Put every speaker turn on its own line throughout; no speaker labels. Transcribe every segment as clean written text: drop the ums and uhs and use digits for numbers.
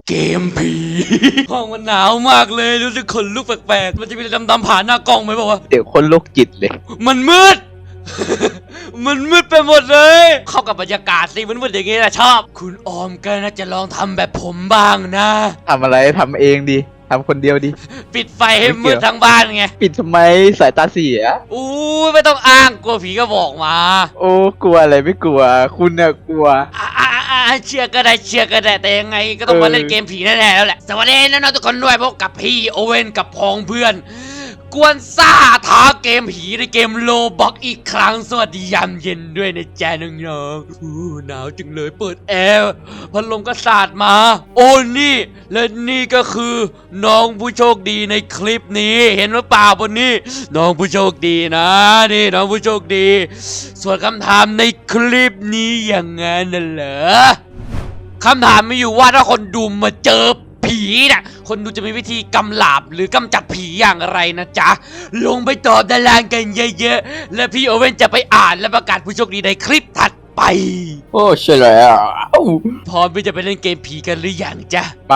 เกมผีห้องมันหนาวมากเลยรู้สึกขนลุกแปลกๆมันจะมีอะไรดำๆผ่านหน้ากล้องไหมบอกว่า
เดี๋ยวคนโรคจิตเลย
มันมืด มันมืดไปหมดเลย เข้ากับบรรยากาศสิมันมืดอย่างงี้นะชอบคุณออมก็น่าจะลองทำแบบผมบ้างนะ
ทำอะไรทำเองดิทำคนเดียวดิ
ปิดไฟให้มืดทั้งบ้านไง
ปิดทำไมสายตาเสีย
อู้ไม่ต้องอ้างกลัวผีก็บอกมา
โอ้กลัวอะไรไม่กลัวคุณเนี่ยกลัว
เชื่อก็ได้แต่ยังไงก็ต้องมาเล่นเกมผีแน่ๆแล้วแหละสวัสดีน้องๆทุกคนด้วยพบกับพี่โอเว่นกับพ้องเพื่อนกวนซ่าท้าเกมผีในเกมโลบ็อกอีกครั้งสวัสดียามเย็นด้วยนะจ๊ะน้องๆหนาวจังเลยเปิดแอร์พัดลมก็สาดมาโอ้นี่และนี่ก็คือน้องผู้โชคดีในคลิปนี้เห็นหรือเปล่าบนนี้น้องผู้โชคดีนะนี่น้องผู้โชคดีส่วนคำถามในคลิปนี้อย่างงั้นน่ะเหรอคำถามมีอยู่ว่าถ้าคนดูมาเจอผีน่ะคนดูจะมีวิธีกำราบหรือกำจัดผีอย่างไรนะจ๊ะลงไปตอบด้านล่างกันเยอะๆและพี่โอเว่นจะไปอ่านและประกาศผู้โชคดีในคลิปถัดไป
โอ้ใช่แล้ว
พร้อมที่จะไปเล่นเกมผีกันหรือยังจ๊ะ
ไป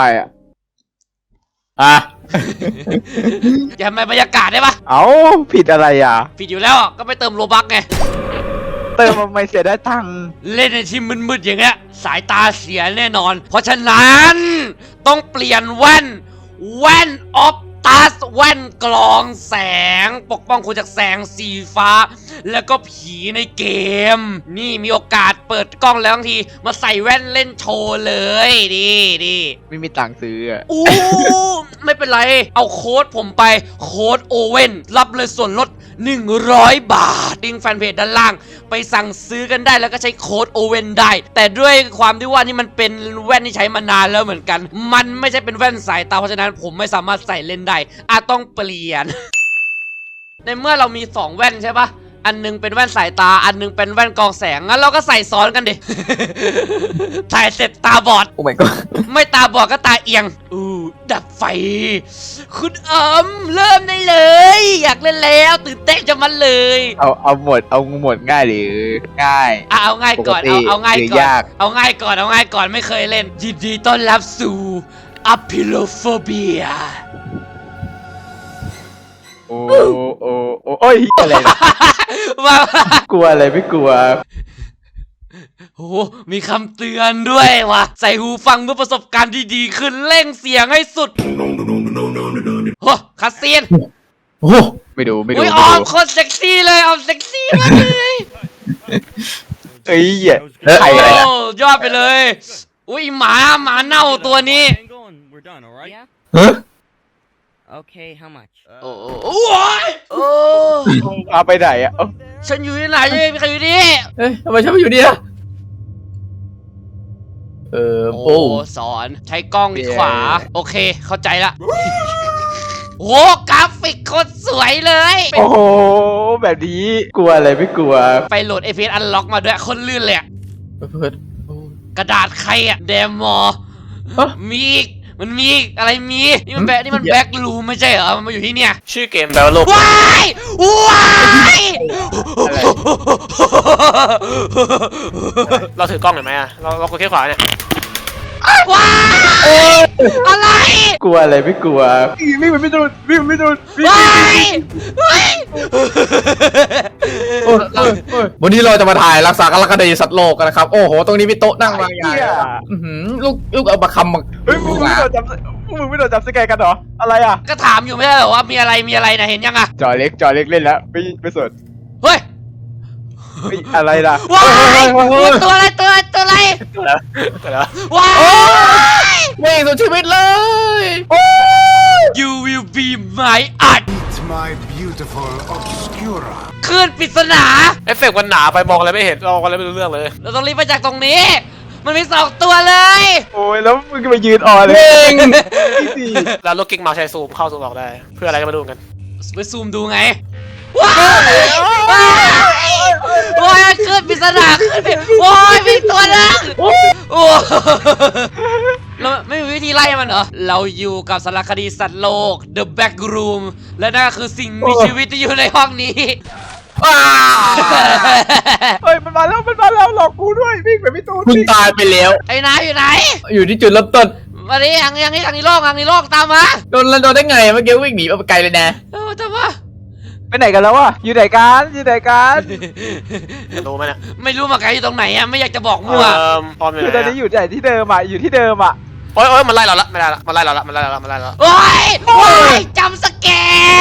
อย่ามาบรรยากาศได้ปะ
เอาผิดอะไร
ผิดอยู่แล้วก็ไปเติมโลบักไง
เติมมาไม่เสียได้ตังค์
เล่นในที่มืดๆอย่างเงี้ยสายตาเสียแน่นอนเพราะฉะนั้นต้องเปลี่ยนแว่นออฟตัสแว่นกรองแสงปกป้องคุณจากแสงสีฟ้าแล้วก็ผีในเกมนี่มีโอกาสเปิดกล้องแล้วบางทีมาใส่แว่นเล่นโชว์เลยดี
ไม่มีตังค์ซื้อ
อู้ไม่เป็นไรเอาโค้ดผมไปโค้ดโอเว่นรับเลยส่วนลด100 บาทลิงก์แฟนเพจด้านล่างไปสั่งซื้อกันได้แล้วก็ใช้โค้ดโอเว่นได้แต่ด้วยความที่ว่านี่มันเป็นแว่นที่ใช้มานานแล้วเหมือนกันมันไม่ใช่เป็นแว่นสายตาเพราะฉะนั้นผมไม่สามารถใส่เล่นได้ต้องเปลี่ยน ในเมื่อเรามี2แว่นใช่ปะอันนึงเป็นแว่นสายตาอันนึงเป็นแว่นกรองแสงงั้นเราก็ใส่ซ้อนกันดิ ใส่เสร็จตาบอด
โอ้ my god
ไม่ตาบอดก็ตาเอียงดับไฟคุณเริ่มได้เลยอยากเล่นแล้วตื่นเต้นจะมันเลย
เอาหมดง่ายหรือง่าย
เอาง่ายก่อนเอาง่ายก่อนเอาง่ายก่อนไม่เคยเล่นยินดีต้อนรับสู่อพิโลโฟเบีย
โอ้ยอะไรนะกลัวอะไรไม่กลัว
โอ้มีคำเตือนด้วยว่ะใส่หูฟังเพื่อประสบการณ์ที่ดีขึ้นเร่งเสียงให้สุดโอ้คัสเซียน
โอ้ไม่ดู
ออมคนเซ็กซี่เลยออมเซ็กซี่มากเลย
เอ้ย
ใครยอดไปเลยอุ้ยหมาเน่าตัวนี้
Okay, how much?
โอ้
เอาไปไหน
ฉันอยู่ที่ไหนยังไม่ใครอยู่นี่
ทำไมฉันไม่อยู่นี่ล่ะ
โอ้สอนใช้กล้องที่ขวาโอเคเข้าใจละโอ้กราฟิกโคตรสวยเลย
โอ้โหแบบนี้กลัวอะไรไม่กลัว
ไปโหลด FPS Unlock มาด้วยคนลื่นเลยกระดาษใครเดมอมีมันมีอะไรนี่มันแบ็ครูมไม่ใช่เหรอมันมาอยู่ที่เนี่ย
ชื่อเกมแปลว่าโลก
ว้าย
เราถือกล้องเห็นไหมเรากดแค่ขวาเนี่ย
ว้ายอะไร
กลัวอะไรไม่กลัววิ่งไม่โดน
ว้าย
วันนี้เราจะมาถ่ายรักษาการคดีสัตว์โลกกันนะครับโอ้โหตรงนี้มีโต๊ะนั่งวางอย่างลูกเอามาคำมา
มึงไม่โดนจับสแกนกันเหรออะไร
ก็ถามอยู่ไม่ใช่เหรอว่ามีอะไรนะเห็นยัง
จอเล็กเล่นแล้วไม่สน
เฮ้ย
อะไรล่ะ
ว้ายตัวอะไรว้าย
ไม่สุดชีวิตเลย
You will be my art
my beautiful obscura
คลื่นปริศนา
เอฟเฟกต์มันหนาไปมองอะไรไม่เห็นมองอะไรไม่รู้เรื่องเลย
เราต้องรีบไปจากตรงนี้มันมี2ตัวเลย
โอ้ยแล้วมึงก็ไปยืนอ่อนเลย
แล้วลูกกิ๊กมาใช้ซูมเข้าซูมออกได้เพื่ออะไรก็มาดูกัน
ไปซูมดูไงว้ายขึ้นปริศนาขึ้นไปโอ้ยมีตัวนึงโอ้เราไม่มีวิธีไล่มันเหรอเราอยู่กับสารคดีสัตว์โลก The Back Room และนั่นคือสิ่งมีชีวิตที่อยู่ในห้องนี้
เฮ้ยมันมาแล้วหลอกกูด้วยวิ่งไปพี่ตูน
คุณตายไปแล้ว
ไอ้นายอยู่ไหน
อยู่ที่จุดเริ่มต้น
มาดิทางนี้โล่งตามมา
โดนได้ไงเมื่อกี้วิ่งหนีไปไกลเลยนะ
ตามมา
ไปไหนกันแล้ววะอยู่ไหนกัน
จะรู้ไหมเนี่ย
ไม่รู้มาไกลอยู่ตรงไหนอะไม่อยากจะบอกมั่ว
พร้อมอยู่
คือ
ไห
ตอน
น
นี้อยู่ที่เดิมอ่ะอยู่ที่เดิมอ่ะ
โอ้ยมันไล่เราละไม่ได้ละมันไล่เราละ
โอ้ยจำสแกร์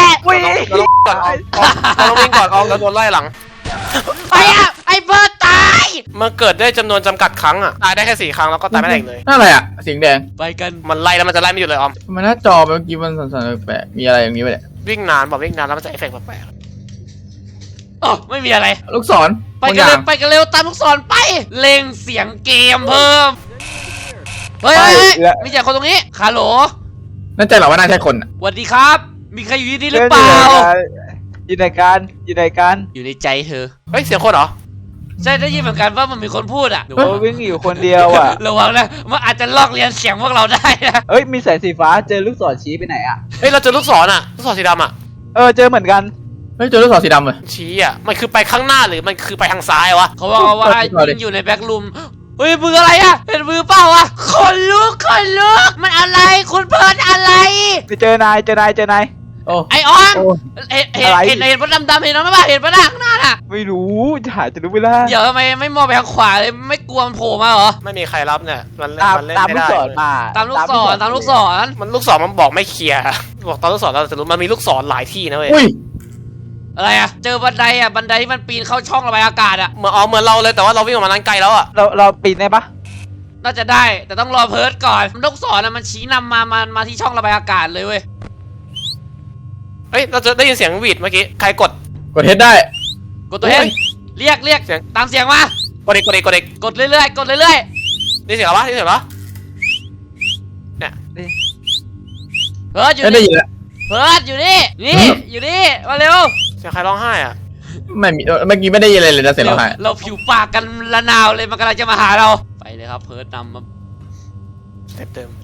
วิ่ง
เราต้องวิ่งก่อนออมเราโดนไล่หลัง
ไปอะไอ้เบิร์ดตาย
มันเกิดได้จำนวนจำกัดครั้งอ่ะตายได้แค่4 ครั้งแล้วก็ตายไม่ได้อีกเลย
นั่นอะไรอ่ะสีแดง
ไปกัน
มันไล่แล้วมันจะไล่ไม่หยุดเลยออม
มันหน้าจอเมื่อกี้มันสั่นๆแปลกๆมีอะไรอย่างนี้ไปเนี่ย
วิ่งนานแล้วมันจะเอฟเฟกต์แปลก
อ๋อไม่มีอะไร
ลูกศร
ไปกันเร็วตามลูกศรไปเล็งเสียงเกมเพิ่มเฮ้ยมีแต่คนตรงนี้คาโหล
นั่นใจเหรอว่าน่าใช่คนอ่ะ
สวัสดีครับ มีใครอยู่ที่นี่หรือเปล่า
อยู่ไหนกัน
อยู่ในใจเธอ
ๆเฮ้ยเสียงคนเหรอ
ใช่ได้ยินเหมือนกันว่ามันมีคนพูดอ่ะ
วิ่งอยู่คนเดียวอ่ะ
ระวังนะมันอาจจะลอกเลียนเสียงพวกเราได้นะ
เอ้ยมีแสงสีฟ้าเจอลูกศรชี้ไปไหนอ่ะ
เฮ้ยเราเจอลูกศรอ่ะลูกศรสีดำอ่ะ
เจอเหมือนกัน
เฮ้ยเจอลูกศรสีดำเลย
ชี้อ่ะมันคือไปข้างหน้าหรือมันคือไปทางซ้ายวะ
เขาบอกว่ายิงอยู่ในแบ็กรูมเฮ้ยมืออะไรอ่ะเห็นมือเปล่าวะคนลุกมันอะไรคุณเพิร์ดอะไร
เจอนาย
โอ้
ไอออน
โอ้
เห็น
อะไร
เห็นมันดำๆเห็นมั้ยเห็นปะหน้าข้างหน้าน่ะ
ไม่รู้จะรู้เวลา
เดี๋ยวทำไมไม่มองไปทางขวาเลยไม่กลัวมันโผล่มาเหรอ
ไม่มีใครรับเนี่ยมันเล่น
ตาม
ไม่
ลูก
ได้
ศรมา
ตามลูกศร
มันลูกศรมันบอกไม่เคลียร์บอกตอนลูกศรเราจะรู้มันมีลูกศรหลายที่นะเว้ย
อุ้ย
อะไรอ่ะเจอบันไดที่มันปีนเข้าช่องระบายอากาศอ่ะ
เหมือนเราเลยแต่ว่าเราวิ่งออกมานั้นไกลแล้วอ่ะ
เราปีนได้ปะ
น่าจะได้แต่ต้องรอเพิร์ดก่อนลูกศรมันชี้นำมาที่ช่องระบายอากาศเลยเว้ย
เฮ้ยเราจะได้ยินเสียงหวีดเมื่อกี้ใครกด
กดเฮดได้
กดตัวเองเรียก
เสียง
ตามเสียงมาก
ดเด็ก
กดเรื่อย
นี่เสียงอะไรวะนี่เสียงอะไรวะเนี่ย
เพิร์ดอยู่
ไม่ได้
นี่
ยินแล้ว
เพิร์ดอยู่นี่อยู่นี่มาเร็ว
เสียงใครร้องไห้อ่ะ
ไม่มีเมื่อกี้ไม่ได้ยินอะไรเลยนะเสียงเราหาย
เราผิวปากกันละนาวเลยมันกำลังจะมาหาเราไปเลยครับเพิร์ดนำมา
เต็มเต็ม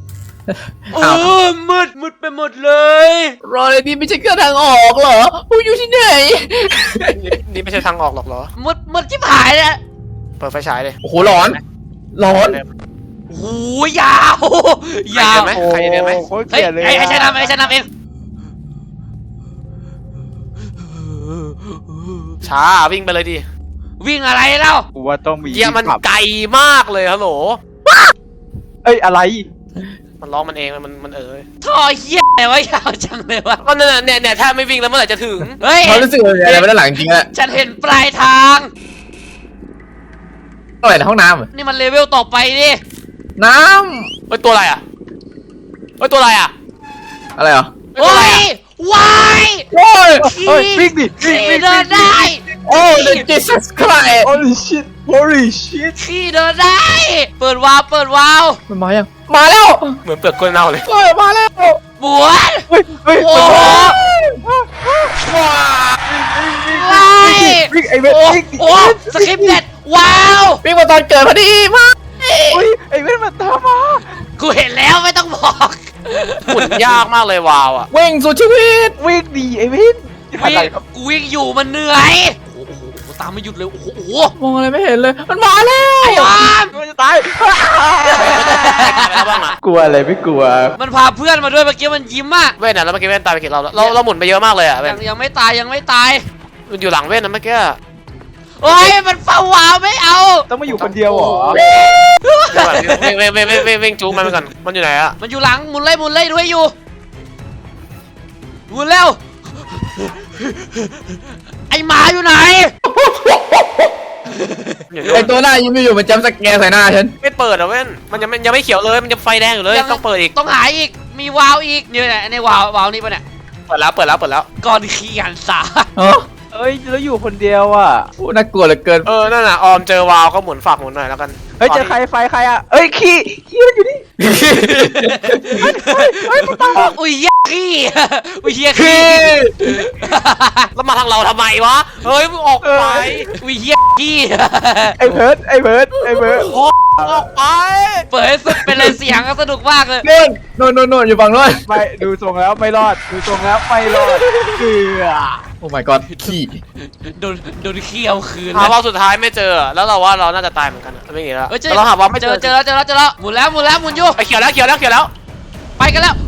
มืดไปหมดเลย
รอเลยนี่ไม่ใช่เครื่องทางออกเหรอกูอยู่ที่ไหน
นี่ไม่ใช่ทางออกหรอกเหรอ
มืดชิบหายเลย
เปิดไฟฉายเลย
โอ้โหร้อน
โอ้โหยาว
ไหมใครเดินไหม
โอ้โห
เฮ้ย
เกลียดเลย
ไอ้ฉันนำเอง
ช้าวิ่งไปเลยดิ
วิ่งอะไรเล่า
กูว่าต้องมี
เกียร์มันไกลมากเลยฮัลโหล
อะไร
มันร้องมันเองมัน
ท่อเหี้ยอะไรวะยาวจังเลยวะ
ก็เนี่ยถ้าไม่วิ่งแล้วเมื่อไหร่จะถึง
เฮ้ย
เขารู้สึกอะไรไม่ได้หลังจริงๆอะ
ฉันเห็นปลายทาง
อะไรในห้องน้ำเหรอ
นี่มันเลเวลต่อไปดิ
น้
เฮ้ยตัวอะไรอ่ะเฮ้ยตัวอะไรอ่ะ
ำอะไรเหรอ
โอ้ย วาย
โอ้ย
เฮ้ยวิ่งดิ
ขี่เดินได้
โอ้ย Jesus Christ
holy shit
ขี่เดินได้ เปิดวาล์ว
มันมายังมาแล้ว
เหมือนเปลือกกล้วยเน่าเลย
เฮ้ยมาแล้ว
บวน
เฮ้ย
โอ้โหวาย
วิ่งไอ้เว้ย
โอ้
วิ่ง
โหสคริปต์เด็ดว้าว
วิ่งมาตอนเกิดพอดีมาก
ไอ้เว้ยมันตามมา
กูเห็นแล้วไม่ต้องบอก
หมุนยากมากเลยวาวอ่ะ
วิ่งสู่ชีวิต
วิ่งดีไอ้เว้ย
วิ่งกูวิ่งอยู่มันเหนื่อยโอ้โหตามไม่หยุดเลยโอ้โห
มองอะไรไม่เห็นเลยมันมาแล้ว
ไอ้ออม
มันจะตาย
อะไรบ้างอ่ะ
กลัวอะไรไม่กลัว
มันพาเพื่อนมาด้วยเมื่อกี้มันยิ้มอ่ะ
เว้นอ่ะแล้วเมื่อกี้เว้นตายไปกี่รอบแล้วเราหมุนไปเยอะมากเลยอ่ะเว้น
ยังไม่ตาย
มันอยู่หลังเว้นนะเมื่อกี้
โอ้ยมันเฝ้าวาวไม่เอา
ต้องมาอยู่คนเดียวเหรอ
วิ่งจู๊มันไปก่อนมันอยู่ไหนอ่ะ
มันอยู่หลังหมุนเลยด้วยอยู่หมุนเร็วไอหมาอยู่ไหน
ไอตัวหน้ายิ้มอยู่มันจำสแกนใส่หน้าฉัน
ไม่เปิดอ่ะเว้นมันยังไม่เขียวเลยมันยังไฟแดงอยู่เลยต้องเปิดอีก
ต้องหาอีกมีวาวอีกนี่แหละในวาวนี่ปะเนี่ย
เปิดแล้ว
ก่อนขี้หันสา
เอ้ยแล้วอยู่คนเดียวอ่ะ
โอ้น่ากลัวเหลือเกิน
นั่นน่ะออมเจอวาวก็หมุนฝากหมุนหน่อยแล้วกัน
เฮ้ยเจอใครไฟใครอ่ะเอ้ยขี้มันอยู่นี่
อุ้ยเหี้ยขี้อุ้ยเหี้ยขี้
แล้วมาทางเราทำไมวะเฮ้ยมึงออกไป
อุ้ยเหี้ยขี้
ไอ้เพิร์ด
ออกไป
เปิดให้สุดเป็นเลยเสียงสนุกมากเลย
โน่นอยู่ฝั่งโน้น
ไม่ดูทรงแล้วไม่รอดดูทรงแล้วไม่รอดเกือ
โอ้ my god ขี้
โดนเคี่ยวคืน
หาว่าสุดท้ายไม่เจอแล้วเราว่าเราน่าจะตายเหมือนกันไม่มีแล้ว
เฮ้ย
เราหาว่าไม่
เจ
เจ
อ
อ
เจอแล้วหมุนแล้วหมุนอยู่
ไปเขียวแล้ว
ไปกันแล้ว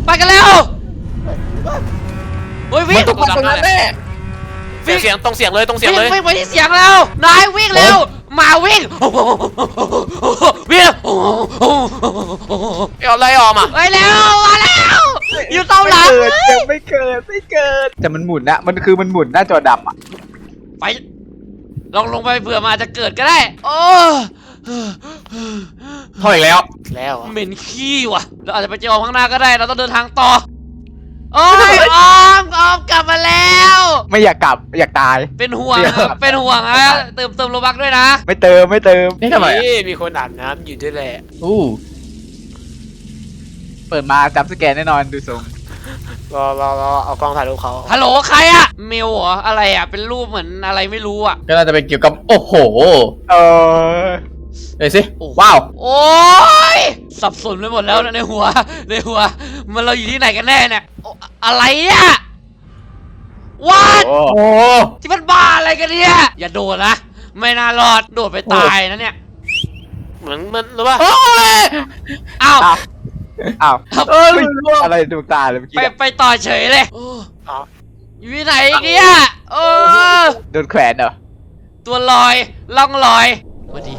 เฮ้ยวิ่
มัน
ง
ต้องมาตรงนั้นแน่
เสียงตรงเสียงเลย
วิ่งไปที่เสียงแล้วนายวิ่งเร็วมาวิ่งวิ่ง
เอาอะไรออกมา
ไปแล้วมาแล้วอยู่เตาหลัง
ไม่เกิดแต่มันหมุนนะมันคือมันหมุนหน้าจอดำอ่ะ
ไปลงไปเผื่อมาจะเกิดก็ได้โอ้
เข้าอีกแล้ว
แล้วอะ
เหม็นขี้ว่ะเราอาจจะไปเจอข้างหน้าก็ได้เราต้องเดินทางต่อโอ้ยออมกลับมาแล้ว
ไม่อยากกลับอยากตาย
เป็นห่วง
เดี๋ยว
เป็นห่วงนะเติมโลบักด้วยนะ
ไม่เติม
นี่ทำไมอะ
นี่มีคนอาบน้ำอยู่ด้วยแหละ
อู้
เปิดมาจับสแกนแน่นอนดูทรง
รอเอากล้องถ่ายรูปเขา
ฮัลโหลใครอะเมลเหรออะไรอะเป็นรูปเหมือนอะไรไม่รู้อะ
ก็น่าจะเป็นเกี่ยวกับโอ้โห
เออ
เอ้ยสิว้าว
โอ้ยสับสนไปหมดแล้วนะในหัวมันเราอยู่ที่ไหนกันแน่เนี่ยโอ้อะไรเนี่ยวัด
โอ้
โอ้
ที่มันบ้าอะไรกันเนี่ยอย่าโดดนะไม่น่ารอดโดดไปตายนะเนี่ย
เหมือนมันรู้ป่ะ
โอ้ย
อ้าว
อ้าว
เอ้ย
อะไรดวงตาเลยเมื่อกี้
ไปต่อเฉยเลยโอ้
อ๋อ
อยู่ที่ไหนเนี่ยเออ
โดนแขวนเหรอ
ตัวลอยล่องลอยสวัสดี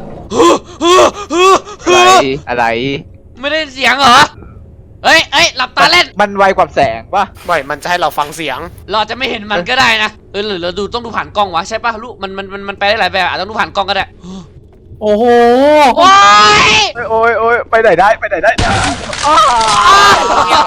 อะไร
ไม่ได้เสียงเหรอเฮ้ยหลับตาเล่น
มันไวกว่าแสงป่ะ
ไม่มันจะให้เราฟังเสียง
เราอาจจะไม่เห็นมันก็ได้นะหรือเราต้องดูผ่านกล้องวะใช่ป่ะลูกมันไปได้หลายแบบอาจจะต้องดูผ่านกล้องก็ได้
โอ้โห
โอ้ย
โอ้ยไปไหนได้อ้าว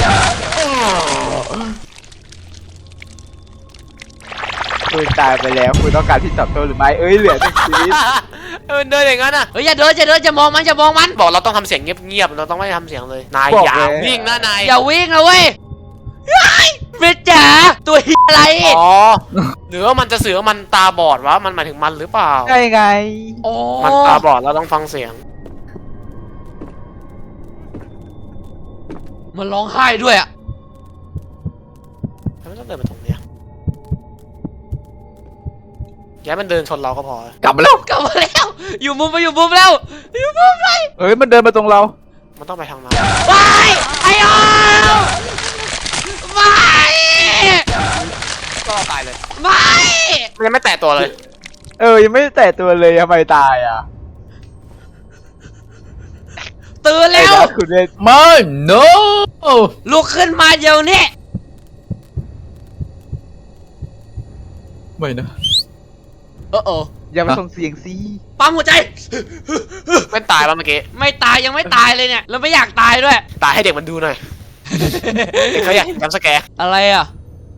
คุณตายไปแล้วคุณต้องการที่ตอบโต้หรือไม่เหลือหนึ่งชีวิต
เดินอย่างนั้นอ่ะ
เฮ้ยอย่าเดินอย่ามองมัน
บอกเราต้องทำเสียงเงียบๆเราต้องไม่ทำเสียงเลยนายอย่าวิ่งนะนาย
อย่าวิ่งนะเว้ยเฟรจ๋าตัวเหี้ยอะไร
อ๋อหรือว่ามันจะสื่อว่ามันตาบอดวะมันหมายถึงมันหรือเปล่า
ใช่ไง
โอ้
มันตาบอดเราต้องฟังเสียง
มันร้องไห้ด้วยอะ
ทำไมต้องเดินมาตรงเนี้ยแย่มันเดินชนเราก็พอก
ลับมาแล้ว
กลับมาแล้วอยู่มุมแล้วอยู่มุมเลย
เฮ้ยมันเดินมาตรงเรา
มันต้องไปทางนั้น
ไปไอ้ออมไม่
ก็ตายเลย
ไม่
มันยังไม่แตะตัวเลย
ยังไม่ได้แตะตัวเลยทำไมตายอ่ะ
ตื่นแล้ว
คุณเล่น
ไม่ no
ลุกขึ้นมาเดี๋ยวนี้
ไม่นะ
โอ้
อย่ามาส่งเสียงสิ
ปั๊มหัวใจ
ไม่ตายป่ะเมื่อกี้
ไม่ตายยังไม่ตายเลยเนี่ยแล้วไม่อยากตายด้วย
ตายให้เด็กมันดูหน่อยเด็กเขาอยากเห็นจำสแกร์
อะไรอ่ะ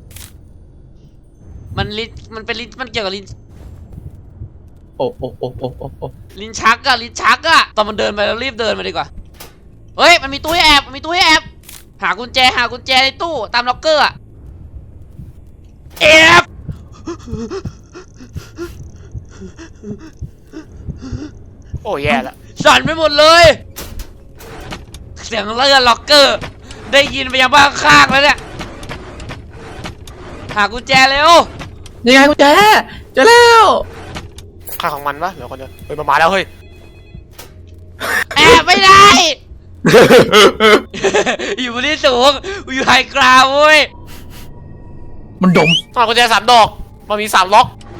มันลิ้นมันเป็นลิ้นมันเกี่ยวกับลิ้น
โอ้
ลิ้นชักอะตอนมันเดินไปเรารีบเดินมาดีกว่าเฮ้ยมันมีตู้ให้แอบหากุญแจในตู้ตามล็อกเกอร์อะแอบ
โอ้แย่ละ
สั่นไปหมดเลยเสียงเลื่อนล็อกเกอร์ได้ยินไปยังบ้านข้างแล้วเนี่ยหากุญแจเร็ว
ยังไงกูเจอแล้ว
ค่าของมันปะเดี๋ยวคนเดียวเฮ้ยมาแล้วเฮ้ย
แอบไม่ได้ อยู่บนที่สูงอยู่ไฮกราวด์เว้ย
มันดม
ต้องเอากุญแจ3 ดอกมันมี3 ล็อก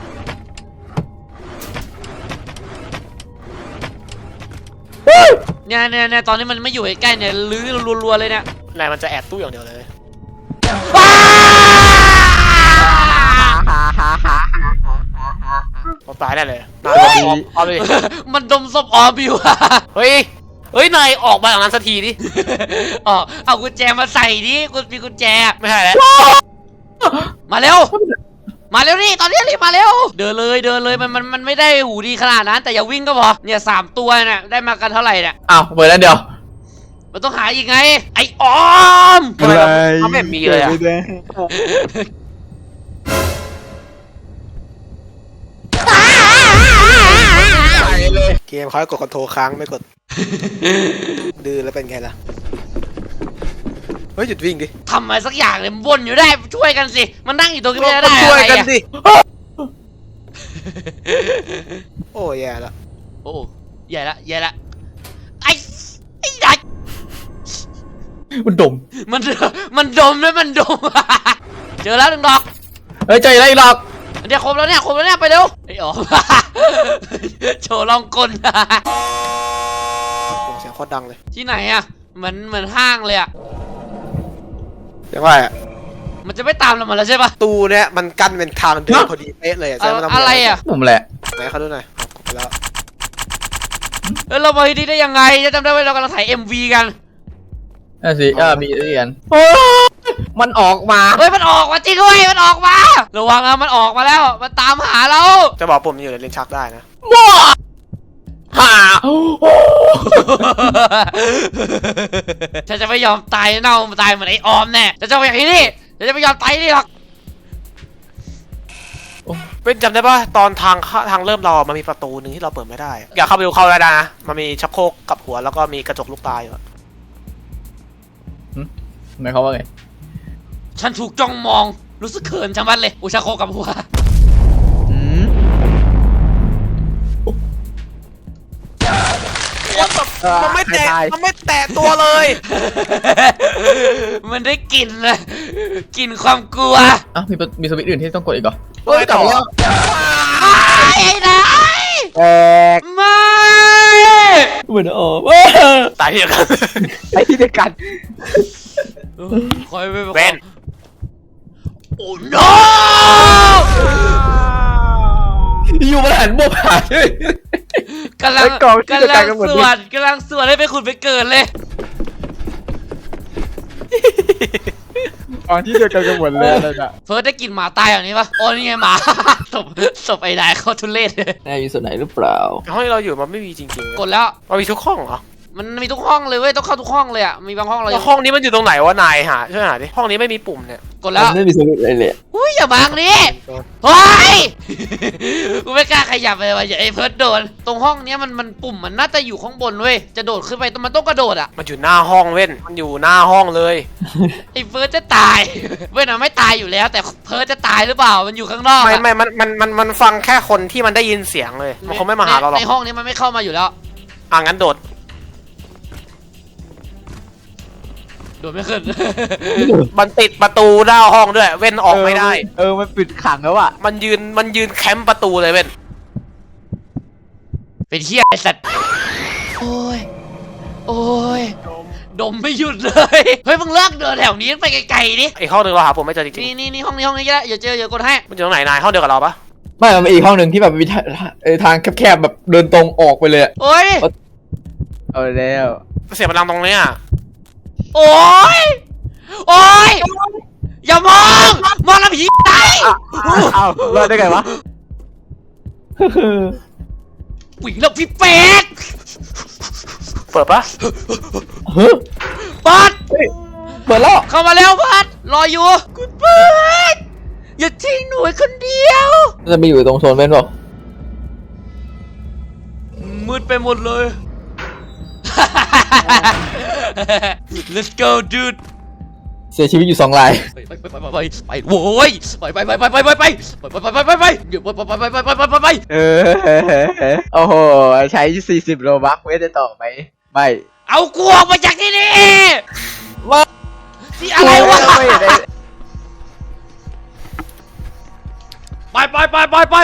เนี่ยตอนนี้มันไม่อยู่ใกล้ๆเนี่ยลื้อรัวๆเลยเนี่ย
นายมันจะแอบตู้อย่างเดียวเลย
ว้า
เราตายได้เลยเอาเลย
มันดมศพออมอยู่อะ
เฮ้ยนายออกมาจากนั้นสักทีดิ
อ๋อเอากุญแจมาใส่ดิมีกุญแจ
ไม่ใช่แล้ว
มาเร็วนี่ตอนนี้รีบมาเร็วเดินเลยมันไม่ได้หูดีขนาดนั้นแต่อย่าวิ่งก็พอเนี่ย3 ตัวเนี่ยได้มากันเท่าไหร่เนี่ย
อ้าวเปิดแล้วเดียว
มันต้องหาอีกไงไอ้ออม
ทำไมเขาไม่มีเลยอ่ะ เกมเขาให้กดคอนโทรลค้างไม่กดดื้อแล้วเป็นไงล่ะเฮ้ยหยุดวิ่งดิ
ทำอะไรสักอย่างเลยมันวนอยู่ได้ช่วยกันสิมันนั่งอยู่ตรงนี้ไม่ได้
ช่วยกัน
อะไรอะ
ดิโอ้ยแย่ละ
โอ้ใหญ่ละใหญ่ละไอ้ใหญ่
มันดม
มันดมด้วยมันดม เจอแล้วหนึ่งดอก
เฮ้ยเจออะไรหรอก
เดี๋ยวครบแล้วเนี่ยไปเร็วไอ้อ๋อ โชว์ลองกล
เสียงโคตรดังเลย
ที่ไหนอะเหมือนห้างเลยอะ
เสียงว่า
มันจะไม่ตามเรามาแล้วใช่ปะ
ตูเนี่ยมันกั้นเป็นทางเดินพอดีเป๊ะเลยแสดงว่าต้ง
อะไรอะ
ผมแหละ
ไหนเขาดูหน่อยกดไปแล้ว
เรามาที่นี่ได้ยังไงจะจำได้ว่าเรากำลังถ่าย MV กัน
นั่นสิมีเรียนมันออกมา
เฮ้ยมันออกมาจริงด้วยมันออกมาระวังนะมันออกมาแล้วมันตามหาเรา
จะบอกปุ่มอยู่ในลิ้นชักได้นะ
หา
ฉันจะไม่ยอมตายเน่าตายเหมือนไอ้ออมแน่ฉันจะไปอย่างนี้ฉันจะไม่ยอมตายนี่หรอก
เป็นจำได้ป่ะตอนทางเริ่มเรามันมีประตูหนึ่งที่เราเปิดไม่ได้ อยากเข้าไปดูเข้าได้นะมันมีชักโครกกับหัวแล้วก็มีกระจกลูกตาอยู่
หมายความว่าไง
ฉันถูกจ้องมองรู้สึกเขินจังมันเลยอุชาโคกับหัว
มันไม่แตะมันไม่แตะตัวเลย
มันได้กลิ่นเลยกลิ่นความกลัว
อ่ะมีสวิตช์อื่นที่ต้องกดอีกเหรอ
เฮ้ยต่อ
ไอ้นาย
แตก
ไม่
เหมือนออก
ตายที่เดียวกัน
ไอ้ที่เดียวกัน
คอยไป
เว้น
โอ้ no
อยู่มาหันบวกหาย
กำลังสวดให้ไปขุดไปเกิดเลย
ตอนที่เดียวกันกันหมดเลยอะไรน่ะ
เฟิร์สได้กลิ่นหมาตายอย่างนี้ปะโอ้นี่ไงหมา ศพไอ้นายเขาทุเรศเลย
นายอยู่ส่วนไหนหรือเปล่า
ห้องที่เราอยู่มันไม่มีจริงๆ
กดแล้ว
มันมีทุกห้องเหรอ
มันมีทุกห้องเลยเว้ยต้องเข้าทุกห้องเลยอ่ะมีบางห้องเรา
แล้วห้องนี้มันอยู่ตรงไหนวะนายช่วยหาดิห้องนี้ไม่มีปุ่มเนี่ย
กดแล้ว
ไม่มีสวิตช์อะไรเลย
อุ้ยอย่าบังนี่เฮ้ย กูไม่กล้าขยับเลยว่ะอย่าไอ้เฟิร์สโดนตรงห้องเนี้ยมันปุ่มมันน่าจะอยู่ข้างบนเว้ยจะโดดขึ้นไปมันต้องกระโดดอ่ะ
มันอยู่หน้าห้องเว้นมันอยู่หน้าห้องเลย
ไอ้เฟิร์สจะตาย เว้ยนะไม่ตายอยู่แล้ว แต่เฟิร์สจะตายหรือเปล่ามันอยู่ข้างนอก
ไม่มันฟังแค่คนที่มันได้ยินเสียงเลยมันคงไม่มาหาเราหรอก
ในห้องนี้มันไม่เข้ามาอยู่แล้ว
งั้นโดด
โดดไม่ขึ้น
มันติดประตูหน้าห้องด้วยเว้นออกไม่ได้
มันปิดขังแล้วอ่ะ
มันยืนแคมป์ประตูเลยเว้น
เป็นเฮียไอ้สัตว์โอ้ยดมไม่หยุดเลย เฮ้ยมึงเลิกเดินแถวนี้ไปไกลๆดิ
อีกห้องหนึ่งเราหาผมไม่เจอจริง
นี่ห้องนี้ก็ได้อย่าเจออย่ากดให้
ๆมันอยู่ตรงไหนนายห้องเดียวกับเราปะ
ไม่มันมีอีกห้องหนึ่งที่แบบมีทางแคบๆแบบเดินตรงออกไปเลย
โอ้ย
เอาแล้ว
เสียงมันดังตรงเนี้ย
โอ้ยอย่ามองแล้วผีตาย
เอารอดได้ไงวะ
วิ่งแล้วพี่เป็ด
เปิดปะ
ปัด
เปิดแล้ว
เข้ามาแล้วปัดรออยู่คุณปัดอย่าทิ้งหนูไว้คนเดียว
จะไปอยู่ตรงโซนเว้นบอก
มืดไปหมดเลย Let's go dude
เสียชีวิตอยู่2 ราย
ไปโว้ยไปเดี๋ยวไป
โอ้โหใช้40โลบัคเวทได้ต่อไหมไม่
เอากูออกมาจากที่นี่ว่าที่อะไรวะไป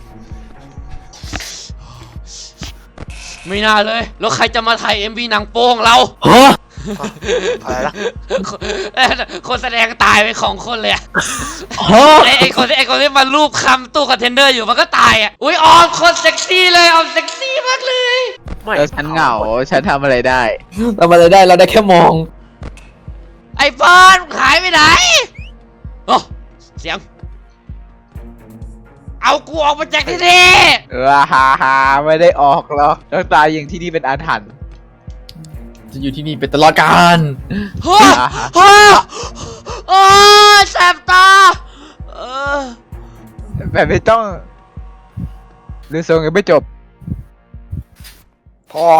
ไม่น่าเลยแล้วใครจะมาถ่าย MV หนังโป้งเรา
อะไรนะ
คนแสดงตายไปของคนเลยอะไอ้คนที่มารูปคำตู้คอนเทนเนอร์อยู่มันก็ตายอ่ะอุ้ยออมคนเซ็กซี่เลยออมเซ็กซี่มากเลย
แล้วฉันเหงาฉันทำอะไรได้
เรามาได้เราได้แค่มอง
ไอ้เฟิร์นหายไปไหนโอ้เสียงเอากูออกมาจากที่นี่
ฮาไม่ได้ออกหรอกต้องตายอย่างที่นี่เป็นอาถรรพ์
จะอยู่ที่นี่เป็นตลอดกาล
ฮ่าโอ้ยแสบตา
แบบไม่ต้องหรือทรงยังไม่จบ
พอ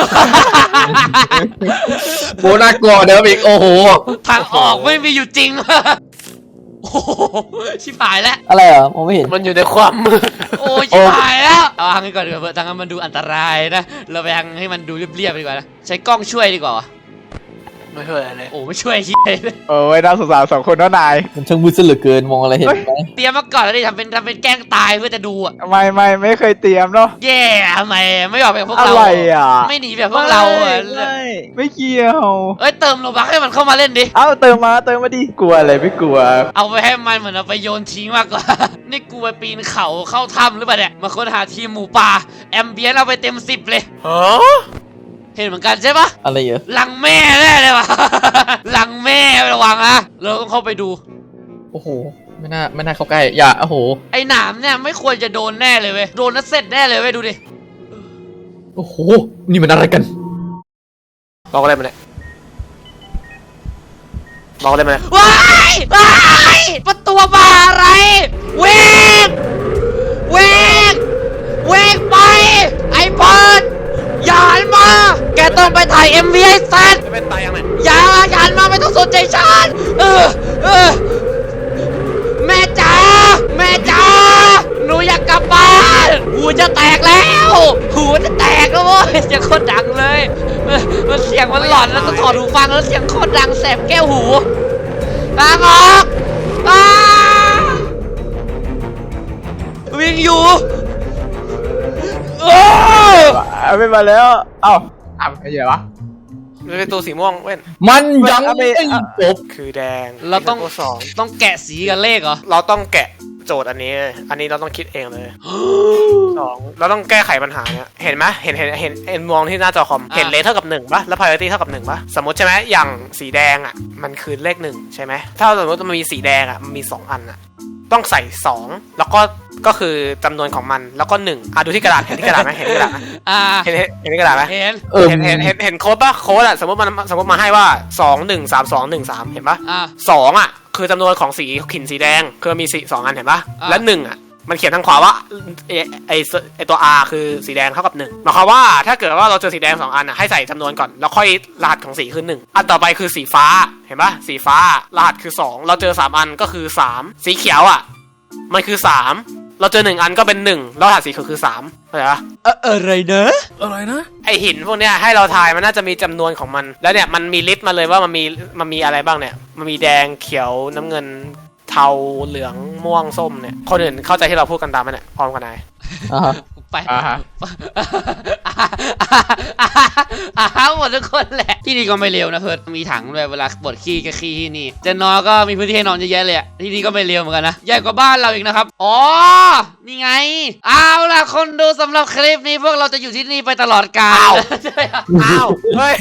โบน่ากลัวเดิมอีกโอ้โห
ทางออกไม่มีอยู่จริง โอ้โหชิบหายแล้ว
อะไรเหรอมองไม่เห็น
มันอยู่ในความมืด
โอ้ยชิบหายแล้วเอาทางนี้ก่อนดีกว่าเพื่อทางนั้นมันดูอันตรายนะเราไปทางให้มันดูเรียบๆดีกว่านะใช้กล้องช่วยดีกว่าวะ
ไม่ช่วยอะไรเลย
โอ้ไม่ช่วยเหี้ยเลย
โอ้ยน่าสงสารสองคนน้านาย
มันช่างมืดซะเหลือเกินมองอะไรเห็นไหม
เตรียมมาก่อนแล้วดิทำเป็นแกล้งตายเพื่อจะดูอ่ะ
ไม่เคยเตรียมเนาะ
แย่ทำไมไม่ออกแบบพวก
อะ
เรา
ไรอ่ะ
ไม่หนีแบบพวกเราอ่ะ
ไม่เกี่ยว
เอ้ยเติมโลบักให้มันเข้ามาเล่นดิ
เอ้าเติมมาดิกลัวอะไรไม่กลัว
เอาไปให้มันเหมือนเอาไปโยนทิ้งมากกว่า นี่กูไปปีนเขาเข้าถ้ำหรือเปล่าเนี่ยมาค้นหาทีมหมูป่าแอมเบียนเอาไปเต็ม10เลย
ฮะ
เห็นเหมือนกันใช่ปะ
อะไรเหรอ
หลังแม่แน่เลยวะ หลังแม่ระวังนะเราต้องเข้าไปดู
โอ้โหไม่น่าเข้าใกล้อย่าโอ้โห
ไอ้หนามเนี่ยไม่ควรจะโดนแน่เลยเว้ยโดนแล้วเสร็จแน่เลยเว้ยดูดิ
โอ้โหนี่มันอะไรกัน
บอกอะไรมาเนี่ยบอกอะไรมาเนี่ย
ว้ายว้ายประตูบาอะไรเวกเวกเวกไปไอ้เพิร์ดอย่าหันมา แกต้องไปถ่าย MV ให้เสร็จ
จะเป็นตายยังไง
อย่าหันมาไม่ต้องสนใจฉันแม่จ๋าแม่จ๋าหนูอยากกลับบ้านหูจะแตกแล้วหูจะแตกแล้วเว้ยเสียงโคตรดังเลยมันเสียงมันหลอนแล้วต้องถอดหูฟังแล้วเสียงโคตรดังแสบแก้วหูทางออกวิ่งอยู่โอ้
ไม่มาแล้ว เอ้าไม่ใช่วะ
มันเป็นตัวสีม่วงเว้น
มันยัง
เอาไป
ไม่จบ
คือแดง
เราต้อง
ตัวสอง
ต้องแกะสีกับเลขเหรอ
เราต้องแกะโจทย์อันนี้เราต้องคิดเองเลยสองเราต้องแก้ไขปัญหาเนี่ยเห็นไหมเห็นมองที่หน้าจอคอมเห็นเลขเท่ากับ1ปะแล้ว priority เท่ากับ1ปะสมมติใช่ไหมอย่างสีแดงอ่ะมันคือเลข1ใช่ไหมถ้าสมมติมันมีสีแดงอ่ะมันมี2อันอ่ะต้องใส่2แล้วก็คือจำนวนของมันแล้วก็1ดูที่กระดาษเห็นที่กระดาษไหมเห็นที่กระดาษไหม เห็นที่กระดาษไหม
เห็น
เห็นโค้ดปะโค้ดอ่ะสมมติมาให้ว่า2 1 3 2 1 3เห็นปะ 2อ่ะคือจำนวนของสีขินสีแดงคือมีสี2อันเห็นปะและ1อ่ะมันเขียนทางขวาว่าไอตัว R คือสีแดงเท่ากับ1หมายความว่าถ้าเกิดว่าเราเจอสีแดง2อันอ่ะให้ใส่จำนวนก่อนแล้วค่อยรหัสของสีคือ1อันต่อไปคือสีฟ้าเห็นปะสีฟ้ารหัสคือ2เราเจอ3อันก็คือ3สีเขียวอ่ะมันคือ3เราเจอ1อันก็เป็น1แล้วรหัสสีคือ3เข้าใจปะ
อะไรนะ
ไอหินพวกเนี้ยให้เราทายมันน่าจะมีจำนวนของมันแล้วเนี่ยมันมีลิสต์มาเลยว่ามันมีอะไรบ้างเนี่ยมันมีแดงเขียวน้ำเงินเทาเหลืองม่วงส้มเนี่ยคนอื่นเข้าใจที่เราพูดกันตามไหมเนี่ยพร้อมกันไหน
ไป
อ่าฮะ
หมดทุกคนแหละที่นี่ก็ไม่เร็วนะเพิร์ดมีถังด้วยเวลาปวดขี้ก็ขี้ที่นี่จะนอนก็มีพื้นที่ให้นอนเยอะแยะเลยอะที่นี่ก็ไม่เร็วเหมือนกันนะใหญ่กว่าบ้านเราอีกนะครับอ๋อนี่ไงเอาล่ะคนดูสำหรับคลิปนี้พวกเราจะอยู่ที่นี่ไปตลอดกาลใช่ไหมครับ
อ้าวเฮ้ย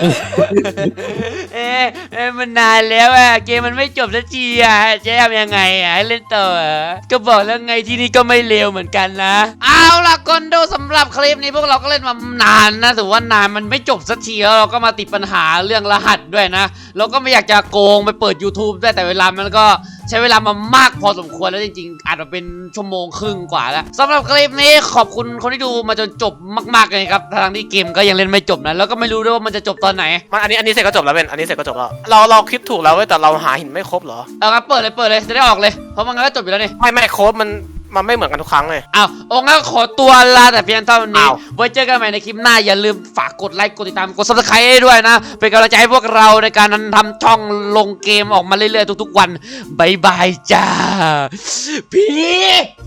มันนานแล้วอะเกมมันไม่จบสักทีอะจะทำยังไงอะให้เล่นต่อก็บอกแล้วไงที่นี่ก็ไม่เร็วเหมือนกันนะเอาล่ะคนดูสำหรับคลิปนี้พวกเราก็เล่นมานานนะถือว่านานมันไม่จบสักทีแล้วเราก็มาติดปัญหาเรื่องรหัสด้วยนะเราก็ไม่อยากจะโกงไปเปิด YouTube ด้วยแต่เวลามันก็ใช้เวลามามากพอสมควรแล้วจริงๆอาจจะเป็นชั่วโมงครึ่งกว่าแล้วสำหรับคลิปนี้ขอบคุณคนที่ดูมาจนจบมากๆเลยครับทางที่เกมก็ยังเล่นไม่จบนะแล้วก็ไม่รู้ด้วยว่ามันจะจบตอนไหน
มันอันนี้เสร็จก็จบแล้วเป็นอันนี้เสร็จก็จบแล้วเราคิดถูกแล้วเว้ยแต่เราหาหินไม่ครบเหรอ
เอาครับเปิดเลยจะได้ออกเลยเพราะมันก็จบอยู่แล้วนี่
ไม่โค้ดมันไม่เหมือนกันทุกครั้งเลย
อ้าวองค์ก็ขอตัวลาแต่เพียงเท่านี้
อ้าว
ไว้เจอกันใหม่ในคลิปหน้าอย่าลืมฝากกดไลค์กดติดตามกด Subscribe ให้ด้วยนะเป็นกำลังใจให้พวกเราในการทำช่องลงเกมออกมาเรื่อยๆทุกๆวันบายบายจ้าพี่